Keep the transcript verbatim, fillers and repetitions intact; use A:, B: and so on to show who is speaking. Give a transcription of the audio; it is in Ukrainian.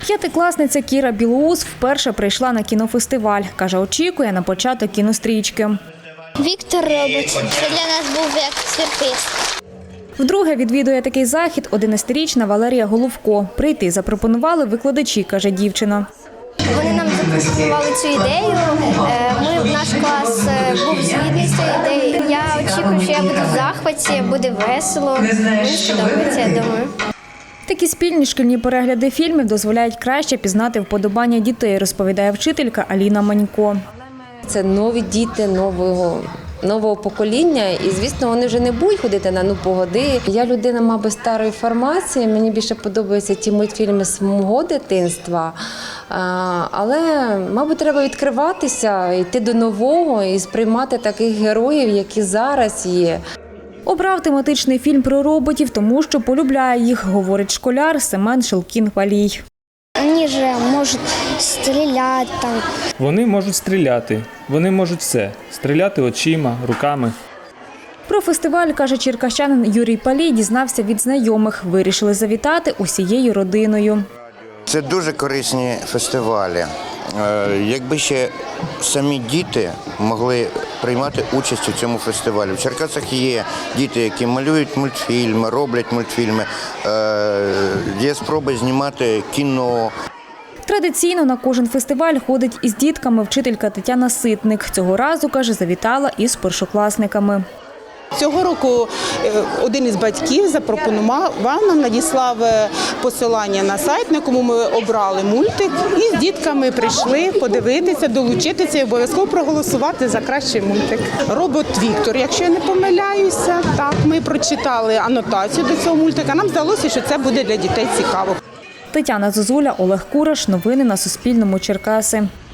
A: П'ятикласниця Кіра Білоус вперше прийшла на кінофестиваль. Каже, очікує на початок кінострічки.
B: Віктор робить. Це для нас був як сюрприз.
A: Вдруге відвідує такий захід одинадцятирічна Валерія Головко. Прийти запропонували викладачі, каже дівчина.
B: Вони нам запропонували цю ідею. Ми, наш клас був згідний з цією ідеєю. Я очікую, що я буду в захваті, буде весело. Мені сподобається, я думаю.
A: Такі спільні шкільні перегляди фільмів дозволяють краще пізнати вподобання дітей, розповідає вчителька Аліна Манько.
C: Це нові діти нового, нового покоління і, звісно, вони вже не будуть ходити на «Ну, погоди». Я людина, мабуть, старої формації, мені більше подобаються ті мультфільми з мого дитинства, але, мабуть, треба відкриватися, йти до нового і сприймати таких героїв, які зараз є.
A: Обрав тематичний фільм про роботів, тому що полюбляє їх, говорить школяр Семен Шелкін-Валій.
B: Вони ж можуть стріляти там.
D: Вони можуть стріляти, вони можуть все – стріляти очима, руками.
A: Про фестиваль, каже черкащанин Юрій Палій, дізнався від знайомих. Вирішили завітати усією родиною.
E: Це дуже корисні фестивалі. Якби ще самі діти могли приймати участь у цьому фестивалі. В Черкасах є діти, які малюють мультфільми, роблять мультфільми, є спроби знімати кіно.
A: Традиційно на кожен фестиваль ходить із дітками вчителька Тетяна Ситник. Цього разу, каже, завітала із першокласниками.
F: Цього року один із батьків запропонував нам, надіслав посилання на сайт, на якому ми обрали мультик, і з дітками прийшли подивитися, долучитися і обов'язково проголосувати за кращий мультик. Робот Віктор, якщо я не помиляюся, так, ми прочитали анотацію до цього мультика, нам здалося, що це буде для дітей цікаво.
A: Тетяна Зозуля, Олег Кураш. Новини на Суспільному. Черкаси.